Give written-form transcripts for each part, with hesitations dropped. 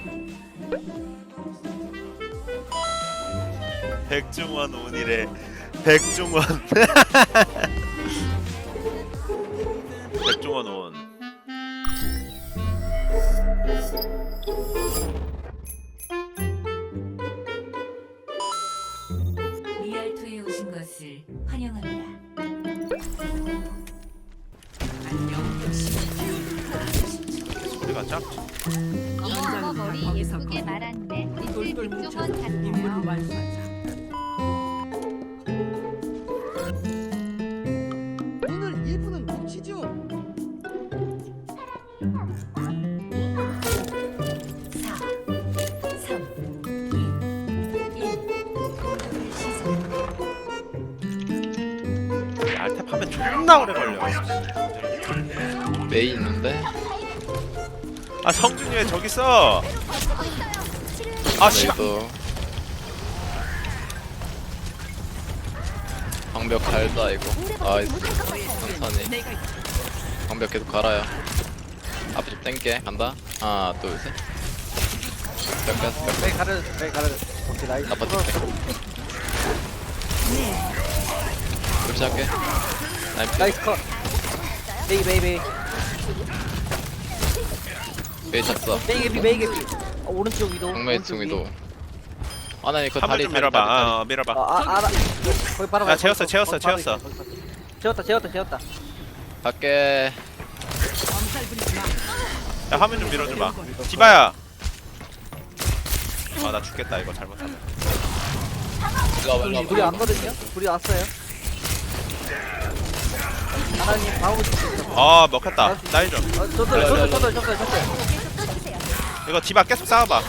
백종원 온이래. 백종원. 백종원 온. 리알토에 오신 것을 환영합니다. 소리가 작. 어머 머리 예쁘게 말았네. 우리 백종원 같아요. 오늘 1분은 뭉치죠. 4, 3, 2, 1. 알탭 하면 존나 오래 걸려. 메이 있는데? 아 성준이 왜 저기 있어? 아 씨발. 메이도 방벽 갈다 이거. 아 천천히 방벽 계속 갈아요. 앞에 좀 땡게 간다. 하나 둘셋 벽 뺐어 벽 메이 가려줘. 메이 가려줘. 오케이 나이스. 나빠 줄게. 그렇게 할게. 나이스. 나이스 컷. 메이 메이 메이. 메이 쳤어. 메이 개피 메이 개피. 오른쪽 위도. 정메이 오른쪽 위. 중위도. 아나 이거 한번 다리 좀 밀어봐. 밀어봐. 알아. 거기 바로 야, 가. 재웠어, 거기 재웠어, 바로 재웠어. 있어, 거기 바로 있어. 재웠다. 갈게. 야 화면 좀 밀어줘봐. 디바야. 아 나 죽겠다 이거 잘못하면. 일로 와봐 일로 와봐. 불이 왔거든요. 불이 왔어요. 하나님 방어구 좀. 아 먹혔다. 나이 좀. 줬어요. 이거 디바 계속 싸워봐.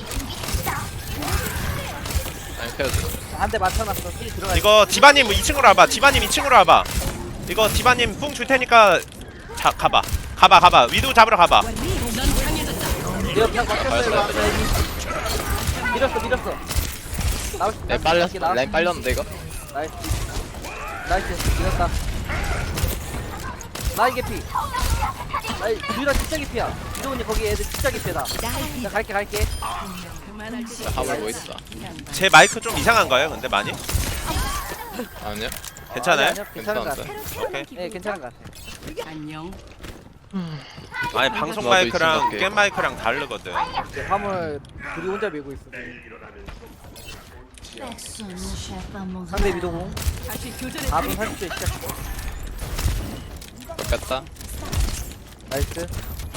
아니 펴줘. 한 대 맞춰놨어. 힐 들어가. 이거 디바님 2층으로 와봐. 디바님 2층으로 와봐. 이거 디바님 뿡 줄 테니까 자 가봐. 가봐. 위도우 잡으러 가봐. 내가 그냥 막혔어요. 밀었어. 네 빨렸어. 라인 빨렸는데 이거? 나이스 밀었다. 나이 개피. 나이 유라 진짜 개피야. 유도훈이 거기 애들 진짜 개피다. 나 갈게. 화물 뭐 있어? 제 마이크 좀 이상한가요? 근데 많이? 아니요. 괜찮아요? 아니요, 괜찮은 것 같아. 괜찮은데. 오케이. 네 괜찮은 것 같아. 아니 방송 나도 마이크랑 있으면 게임 마이크랑 다르거든. 이제 화물 둘이 혼자 밀고 있어. 상대 위도공. 4분 30초 시작. 뺐다. 나이스.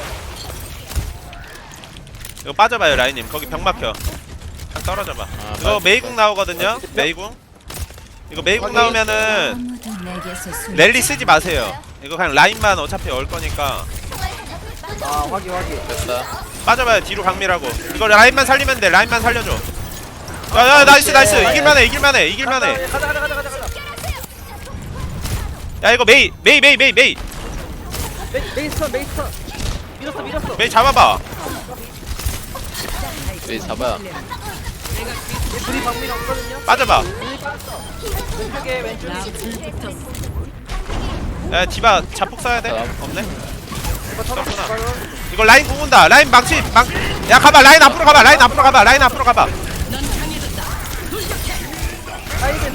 이거 빠져봐요 라인님. 거기 벽 막혀. 딱 떨어져봐. 이거 나이스. 메이궁 나오거든요. 메이궁. 이거 메이궁 나오면은 아무도 내게서 숨 랠리 쓰지 마세요. 이거 그냥 라인만 어차피 올 거니까 아 확인. 뺐다. 빠져봐요. 뒤로 강밀하고. 이거 라인만 살리면 돼. 라인만 살려줘. 야 나이스. 이길만해. 가자. 야 이거 메이. 메이스턴. 밀었어. 메이 잡아봐. 메이 잡아야. 얘 둘이 방밀 없거든요. 빠져봐. 둘이 빠졌어. 왼쪽에. 야 디바 자폭 써야 돼. 없네. 이거 터졌구나. 이거 라인 공은다. 라인 망치. 야 가봐. 라인 앞으로 가봐. 나이베.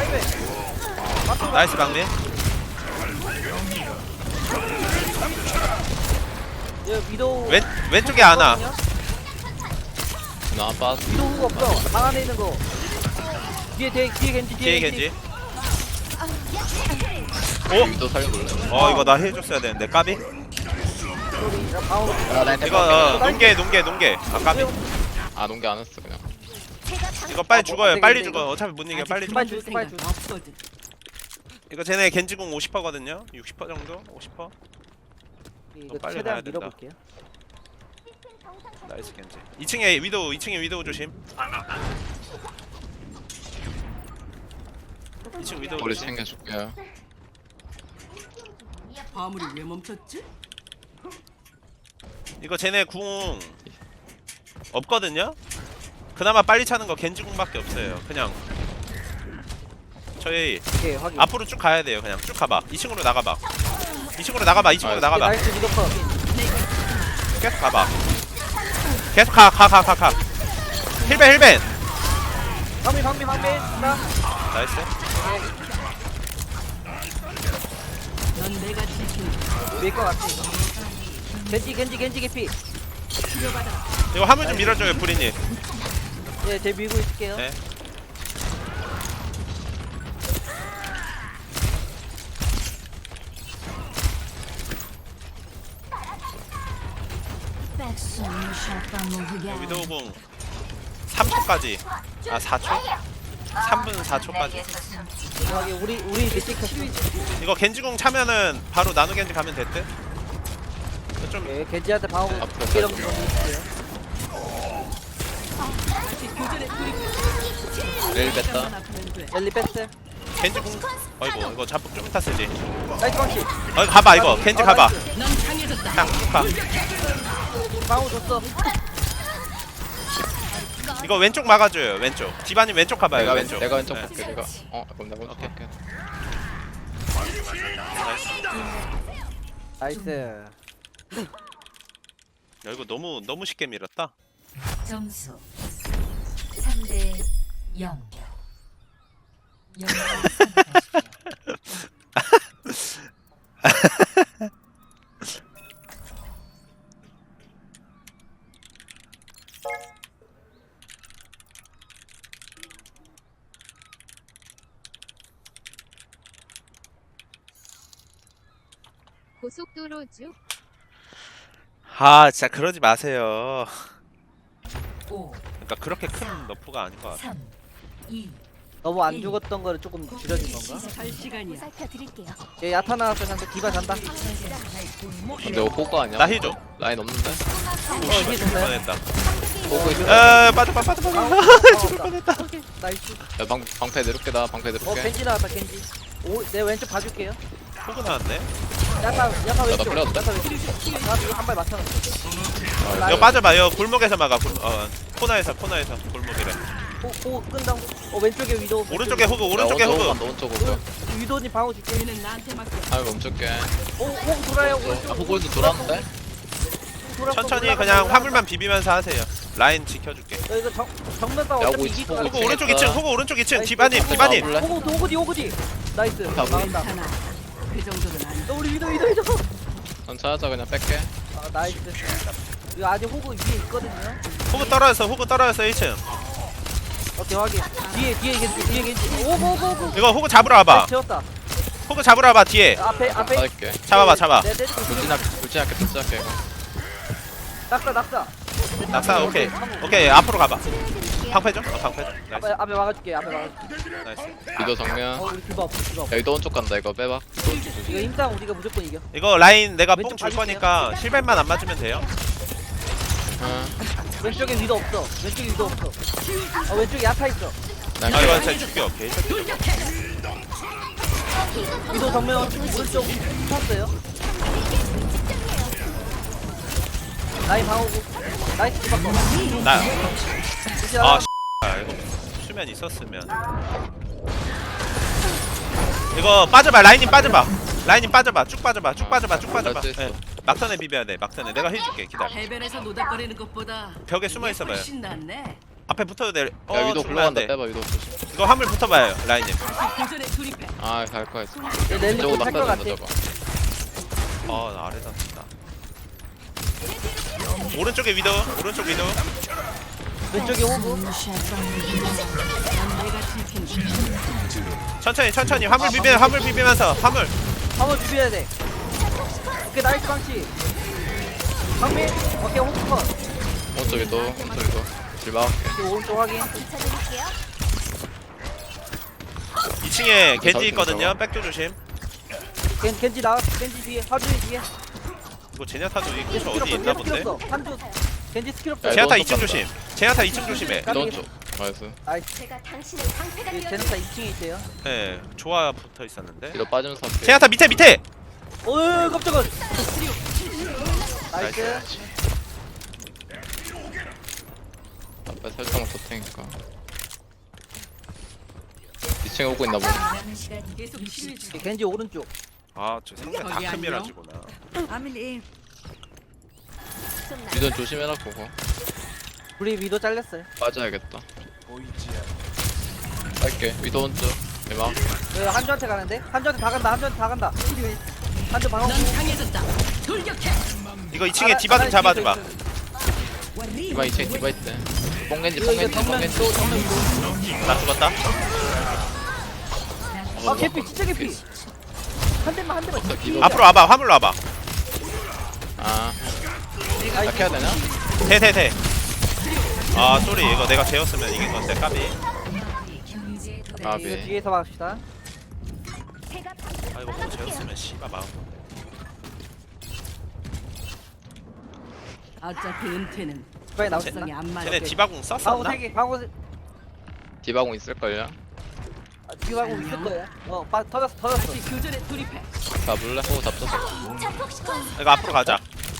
나이스 박민. 얘 위도우. 왼쪽에 하나. 나 빠졌어. 위도우가 없어. 방 안에 있는 거. 뒤에 겐지. 뒤에 겐지. 또 살려볼래? 이거 나 해줬어야 되는데 까비. 방어. 이거 농계. 아 까비. 아 농계 안 했어 그냥. 이거 빨리 죽어요. 빨리 이거. 죽어. 어차피 못 이겨. 빨리 죽어. 빨리 줄. 이거 쟤네 겐지궁 50%거든요. 60% 정도? 50%? 이거 빨리 최대한 가야 된다. 밀어볼게요. 나이스 겐지. 2층에 위도우 조심. 2층 위도우 우리 조심. 챙겨줄게요. 화물이 왜 멈췄지? 이거 쟤네 궁 없거든요? 그나마 빨리 차는 거 겐지궁밖에 없어요. 그냥 저희 오케이 확인. 앞으로 쭉 가야 돼요. 그냥 쭉 가봐. 2층으로 나가봐. 2층으로 나가봐. 나이스 미더커. 계속 가봐. 계속 가 힐벤 방미 나 나이스. 넌 내가 지킨다. 밀것 같아 이거 겐지 개피 이거 화물 좀 밀어줘요 브리님. 예제 밀고 있을게요 네. 위도우궁 3초까지. 아 4초? 3분 4초까지. 저기 우리 밑에 켰어 이거 겐지궁 차면은 바로 나노 겐지 가면 됐대. 좀 예 겐지한테 방어구 앞으로 두개 정도 갈게요. 있을게요 렐 뺐다. 아프면 돼. 엘리 백스 겐지궁. 어이구 이거 잡폭 좀 이따 쓰지. 나이스 방치 가봐 이거 겐지 가봐. 넌 강해졌다. 그냥 가. 방어 줬어 이거 왼쪽 막아줘요 왼쪽. 디바님 왼쪽 가봐요 왼쪽. 내가 왼쪽 네. 볼게. 내가 그럼 내가 왼쪽 볼게. 나이스 야, 이거 너무 쉽게 밀었다. 점수 3대 0. 고속도로 쭉 아 진짜 그러지 마세요. 5, 그러니까 그렇게 큰 너프가 아닌 것 같아. 3, 2, 너무 안 죽었던 거를 조금 줄여진 건가? 갈 시간이야. 얘 야타 나왔어 상대 디바 잔다 근데 이거 호그 아니야? 나 힐 줘. 라인 없는데? 이게 좋네 뻔했다. 호그 있어. 빠져. 죽을 뻔했다 나이스 야, 방패 내릴게. 나 방패 내릴게. 겐지 나왔다 겐지 내 왼쪽 봐줄게요 포그 나왔네. 야타 왼쪽 풀렸다. 야타 왼쪽 나 이거 한 발 맞춰놨어 이거 빠져봐. 이거 골목에서 막아. 코너에서 골목이래. 오 끈다 왼쪽에 위도 오른쪽에 호그. 오른쪽에 호그. 오른쪽. 위도님 방어 줄게 얘는 나한테 맡겨. 아 멈출게. 오 돌아요 아 호그에서 돌았는데? 천천히 그냥 화물만 비비면서 하세요. 라인 지켜줄게. 이거 정면 싸움 야, 어차피 오고 이길 있어, 거야 오고 호그 오른쪽 2층. 호그 오른쪽 2층. 나이스. 디바님. 볼래? 오고디 나이스 다 막았다 괜찮아. 그 정도는 안 돼. 우리 위도 해줘 난 찾아자 그냥 뺄게. 아 나이스 이거 아직 호구 위에 있거든요 호그 떨어졌어 1층. 오케이 확인 뒤에 겐지 오고 이거 호그 잡으러 와봐. 채웠다 호그 잡으러 와봐 뒤에. 앞에 받을게. 잡아. 내 때리고 불진할게 이거. 낙사 낙사 오케이 앞으로 가봐. 방패죠? 방패죠. 나이스. 앞에 막아줄게 나이스. 위도 정면. 우리 디바 없어 야 위도 오른쪽 간다. 이거 빼봐. 이거 힘싸움 우리가 무조건 이겨 이거 라인 내가 뽕 왼쪽 줄 봐줄게요. 거니까 힐벤만 안 맞으면 돼요. 왼쪽에 위도 없어 왼쪽에 야타 있어 난 아 이거 진짜 죽여. 오케이. 위도 정면 오른쪽 쳤어요 라인 방어구 나이스 디바 거 나. 혹시 아 하나? 이거 수면 있었으면. 이거 빠져봐. 라인님 빠져봐. 쭉 빠져봐. 할수 있어. 네. 막턴에 비벼야 돼. 막턴에 내가 해줄게. 기다려. 해변에서 노닥거리는 것보다 벽에 숨어 이게 있어봐요. 훨씬 낫네. 앞에 붙어도 돼. 야 위도 죽으면 안 굴러간다. 돼. 빼봐 위도 조심. 이거 화물 붙어봐요. 라인님. 도전에 돌입해. 아갈 거야. 얘 랠리 저거 탈것 낙사 같아 좀 넣어봐. 나 아래다 진다. 오른쪽 위도. 왼쪽에 호구 넌 내가 지킨다. 천천히 화물 비비면서 화물. 한번 비벼야 돼 오케이 나이스 방치 방미 오케이 호구 컷 오른쪽 위도. 길 막을게. 오케이, 오른쪽 확인 2층에 겐지 있거든요. 백도 조심. 겐지 나와 겐지 뒤에 하준이 뒤에 이거 제냐타도 이 얘 근처 스킬 어디 없어 있나 얘 스킬 본데. 없어 한준 겐지 스킬 없어 야, 제냐타 이거 2층 조심. 제냐타 2층 조심해. 위도 오른쪽. 나이스. 나이스 제네타 2층에 있대요 네, 조화 붙어 있었는데. 뒤로 빠지면서 할게. 제냐타 밑에. 어이 깜짝아 나이스 나이스. 앞에 살짝만 더 테니까. 2층에 오고 있나 보네. 남은 시간 계속 치료해줘. 겐지 오른쪽 저 상대 거기 다크미라지구나. 아밀리. 위도 조심해라 그거. 우리 위도 잘렸어요. 빠져야겠다. 갈게. 위도 온쪽. 대박. 한주한테 가는데? 한주한테 다 간다. 한주한테 다 간다. 한주 방어. 넌 강해졌다. 돌격해. 이거 2층에 디바 좀 잡아줘봐. 디바 2층 디바 있대. 뽕겐지 이거 뽕겐지 정면 뽕겐지. 또 정면 위도. 나 죽었다. 아 개피 진짜 개피. 한 대만 한 대만. 없어, 기도. 앞으로 와봐. 화물로 와봐. 아. 딱 해야 되냐? 대. 아 쏘리 이거 내가 재웠으면 이긴 건데 까비. 경제 도달. 아, 이거 네. 뒤에서 막읍시다. 아 이거 뭐 재웠으면 씨발 마음. 어차피 은퇴는 빨리 나오시다. 적성에 안 맞아. 쟤네 디바궁 방어 썼었나? 3개. 방어 디바공 있을걸요? 뒤하고 있을 거야. 터졌어. 다시 교전에 돌입해. 잡을래? 오 잡혔어. 이거 앞으로 가자.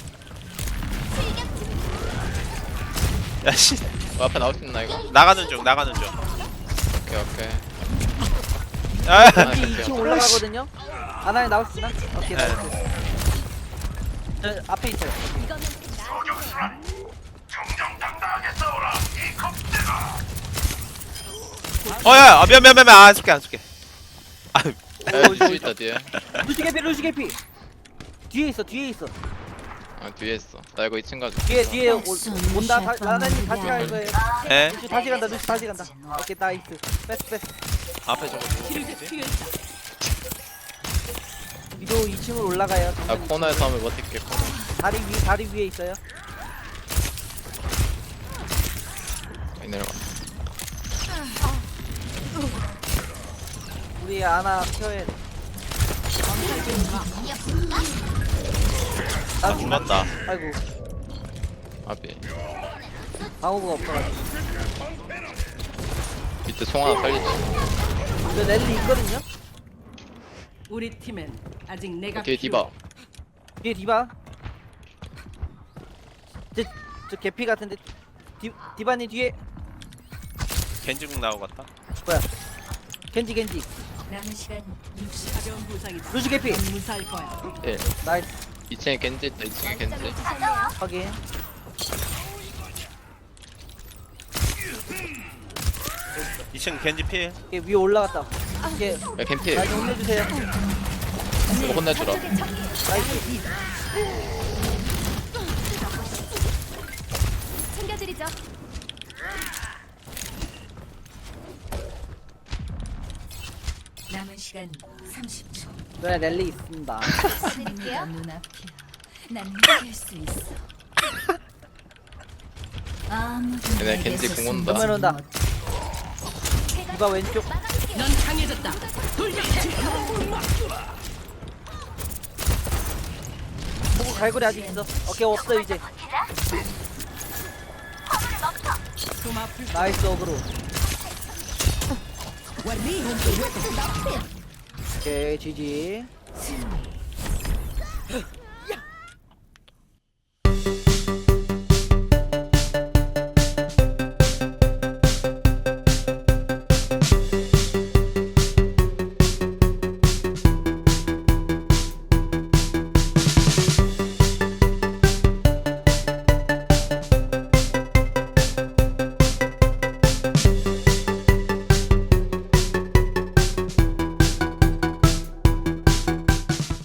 야씨 앞에 나올 수 있나 이거? 나가는 중. 오케이 오케이. 아, 아, 2층 올라가거든요. 하나에 나올 수 있나? 오케이 네. 나이스. 저 앞에 있어요. 어야 미안 안 쏠게. 아 야, 루시 있다 뒤에. 루시 개피. 뒤에 있어. 아 뒤에 있어. 나 이거 2층 가자. 뒤에 온다. 하나님 다시 갈 거예요. 에? 루시 다시 간다. 오케이 나이스. 패스. 앞에 저거 치료제 필요했다. 위도 2층으로 올라가요. 나 코너에서 하면 버틸게. 코너. 다리 위에 있어요. 여기 내려가. 우리 아나 켜야 돼. 아 죽었다. 아이고 아비. 방어구가 없어가지고. 밑에 송 하나 살리지. 저 랠리 있거든요. 우리 팀엔 아직 내가 뒤에 디바. 뒤에 디바. 저 개피 같은데. 디바님 뒤에 겐지궁 나오겠다. 뭐야? 겐지. 남은 시간 60. 가벼운 부상이다. 루시 개피. 넌 무사할 거야. 예. 나이스 2층에 겐지 있다. 2층에 겐지. 확인. 이층 겐지 필. 이게 위에 올라갔다. 이게 야 겐피. 나 좀 혼내주세요. 이거 혼내주라. 나이스. 챙겨드리죠. 남은 시간 30초. 네 랠리 있습니다. 드릴게요. 눈앞이야. 난 이길 수 있어. 아무도 얘네 내게서 겐지 궁 온다. 정면 온다. 디바 왼쪽. 넌 강해졌다. 돌격해. 호구 갈고리 아직 있어. 오케이 없어 이제. 좀 아플 나이스 어그로. 오케이 GG. 승리.